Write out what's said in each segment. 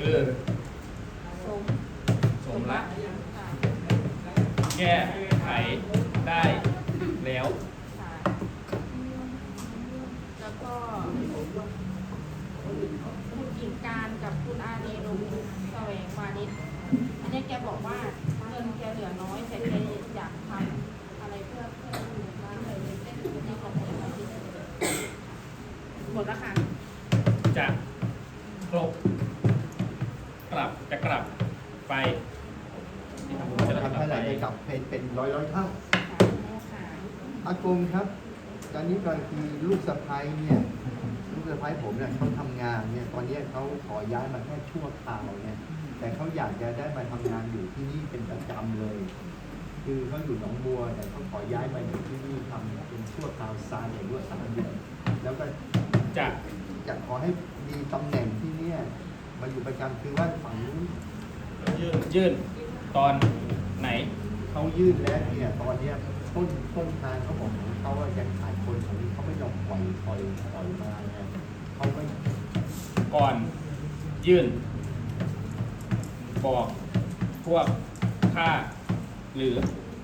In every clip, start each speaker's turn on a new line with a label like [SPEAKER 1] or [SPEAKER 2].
[SPEAKER 1] คือสมละแก้ไขได้แล้ว
[SPEAKER 2] แล้วก็คุณกิ่งการกับคุณอาเนรุแสวงวานิชอันนี้แกบอกว่าเงินแกเหลือน้อยแต่แกอยากทำอะไรเพื่อร้านเลยเล่นในของแกหมดแล้วค่ะ
[SPEAKER 1] จะกลับไปที่ทำบุญจะ
[SPEAKER 3] ทำ
[SPEAKER 1] กลั
[SPEAKER 3] เท่า
[SPEAKER 1] บ
[SPEAKER 3] ไห
[SPEAKER 1] ไป
[SPEAKER 3] ร่จะกลับเป็นร้อยเท่า
[SPEAKER 2] ค่ะ
[SPEAKER 3] อากงครับ ตอนนี้ก็คือลูกสะใภ้เนี่ยลูกสะใภ้ผมเนี่ยเขาทำงานเนี่ยตอนนี้เขาขอย้ายมาแค่ชั่วคราวเนี่ยแต่เขาอยากจะได้มาทำงานอยู่ที่นี่เป็นประจำเลย คือเขาอยู่หนองบัวแต่เขาขอย้ายมาอยู่ที่นี่ทำเป็นชั่วคราวซานอย่างด้วย3 เดือนแล้วก็
[SPEAKER 1] จะ
[SPEAKER 3] จะขอให้มีตำแหน่งที่เนี่ยมาอยู่ประจำคือว่าฝั่งนู้น
[SPEAKER 1] ยื่นตอนไหน
[SPEAKER 3] เขายื่นแล้วเนี่ยตอนเนี้ยต้นทางเขาบอกของเขาว่ายังขาดคนของเขาไม่ยอมปล่อยมาไงเขาไม่
[SPEAKER 1] ก่อนยื่นบอกพวกข้าหรือ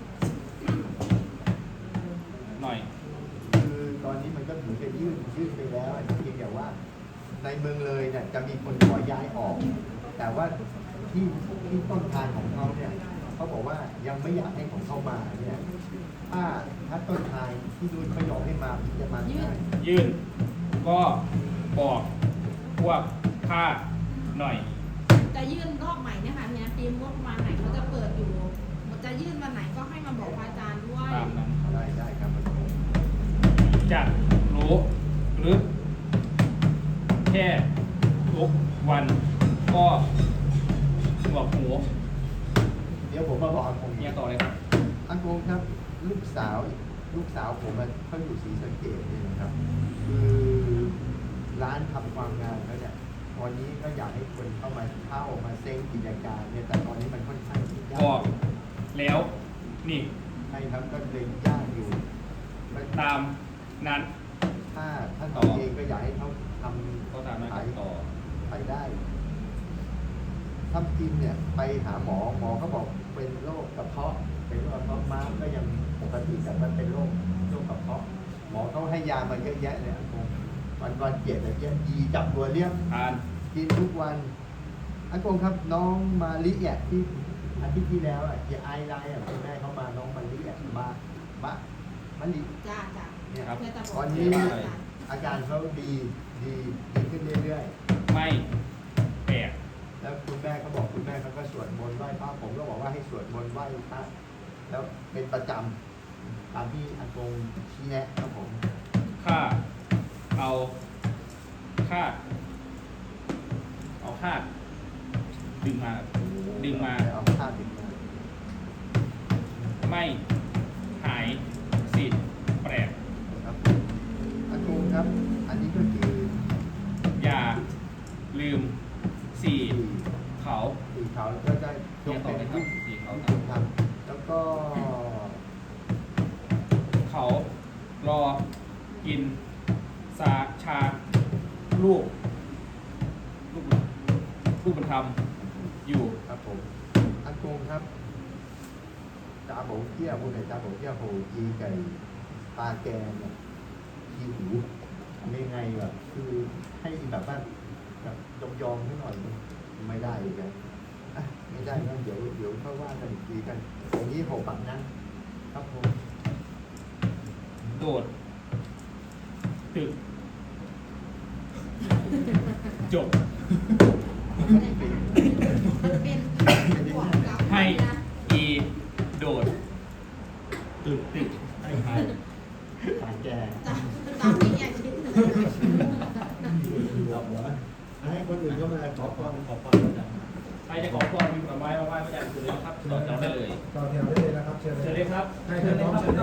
[SPEAKER 1] หน่อย
[SPEAKER 3] คือตอนนี้มันก็เหมือนกับยื่นไปแล้วเพียงแต่ว่าในเมืองเลยเนี่ยจะมีคนขอย้ายออก แต่ว่าที่ต้นทางของเขาเนี่ยเขาบอกว่ายังไม่อยากให้ของเขามาเนี่ยถ้าต้นทางที่ดูเขายอมให้มาจะมาได้
[SPEAKER 1] ยื่นก็บอกพวกข้าหน่อย
[SPEAKER 2] จะยื่นรอบใหม่เนี่ยค่ะเนี่ยปีงบประมาณไหนเขาจะเปิดอยู่จะยื่นวันไหนก็ให้มาบอกพระอาจารย์ด้วย
[SPEAKER 1] ตามนั้น
[SPEAKER 3] ได้ครับ
[SPEAKER 1] จะรู้หรือแค่ทุกวันก็หนวกหู
[SPEAKER 3] เดี๋ยวผมมาบอกอากง
[SPEAKER 1] เนี่ยต่อเลยครับ
[SPEAKER 3] อากงครับลูกสาวผมเขาอยู่ศรีสะเกษเนี่ยนะครับคือร้านทำความงานเขาเนี่ยตอนนี้ก็อยากให้คนเข้ามาเซ้งกิจการเนี่ยแต่ตอนนี้มันค่อนข้างที่ยา
[SPEAKER 1] บอก แล้วนี่
[SPEAKER 3] ใช่ครับก็เลยยากอยู่
[SPEAKER 1] ตามนั้น
[SPEAKER 3] ถ้าตอนเองก็อยากให้เขาท
[SPEAKER 1] ก็ตามนั้น
[SPEAKER 3] ำ
[SPEAKER 1] ครับต่อ
[SPEAKER 3] ไปได้ถ้ากินเนี่ยไปหาหมอเขาบอกเป็นโรคกระเพาะเป็นโรคกระเพาะม้ามก็ยังปกติแต่มันเป็นโรคกระเพาะหมอเขาให้ยามาเยอะแยะเลยอากงวันเจ็ดอะไรเงี้ยดีจับตัวเลี้ยง
[SPEAKER 1] ทาน
[SPEAKER 3] กินทุกวันอากงครับน้องมาลิอ่ะที่อาทิตย์ที่แล้วอ่ะที่ไอไลน์อ่ะคุณแม่เขามาน้องมาลิอ่ะมาลิ
[SPEAKER 2] จ้า
[SPEAKER 3] เนี่ย
[SPEAKER 1] ครับ
[SPEAKER 3] ตอนนี้อาการเขาดีขึ้นเรื่อย
[SPEAKER 1] ไม่แปลก
[SPEAKER 3] ๆแล้วคุณแม่เขาบอกคุณแม่เขาก็สวดมนต์ไหว้พระผมก็บอกว่าให้สวดมนต์ไหว้พระแล้วเป็นประจำตามที่อากงชี้แนะครับผม
[SPEAKER 1] ข้าเอาคาดดึงมา
[SPEAKER 3] เอาผ้าดึงมา
[SPEAKER 1] ไม่หายสิทธิ์แปลก
[SPEAKER 3] ครับอากงครับ อันนี้ก็คือ
[SPEAKER 1] อย่าลืมสี่เขา
[SPEAKER 3] สีขาวก็ได้ย
[SPEAKER 1] เนี่ย
[SPEAKER 3] ก
[SPEAKER 1] ต่อ
[SPEAKER 3] เป็น
[SPEAKER 1] เลยครั
[SPEAKER 3] ลู
[SPEAKER 1] บ
[SPEAKER 3] ก
[SPEAKER 1] สี่เขา
[SPEAKER 3] คุณทำแล้วก็
[SPEAKER 1] เขารอกินชาลูกบุญธรรมอยู่
[SPEAKER 3] ครับผมอากงครับตาโบเกี้ยวคุณไหนตาโบเกี้ยวโหจีไก่ปลาแกงเนี่ยขี้หูทำยังไงแบบคือให้แบบว่าแบบยอมให้หน่อยไม่ได้อีกแล้วอ่ะไม่ได้นะเดี๋ยวค่อยว่ากันอีกทีกันอย่างนี้ผมปักนะครับผม
[SPEAKER 1] โดดตึกจบ
[SPEAKER 2] เป็นก่อนกับ
[SPEAKER 1] ให้อีโดดตึกให้ใคร
[SPEAKER 3] ปลาแกง
[SPEAKER 2] ตามที่อยากคิดเลย
[SPEAKER 3] เอาหัวให้คนอื่นเข้ามาขอความ
[SPEAKER 1] ใครจะขอพรมีผลไม้มาไหว้พระอาจารย์สุดเลยนะครับต่อแถวได้เลย
[SPEAKER 4] ต่อแถวได้เลยนะครับเชิญ
[SPEAKER 1] เชิญเลยครับ
[SPEAKER 4] ให้เชิญน้องเชิญ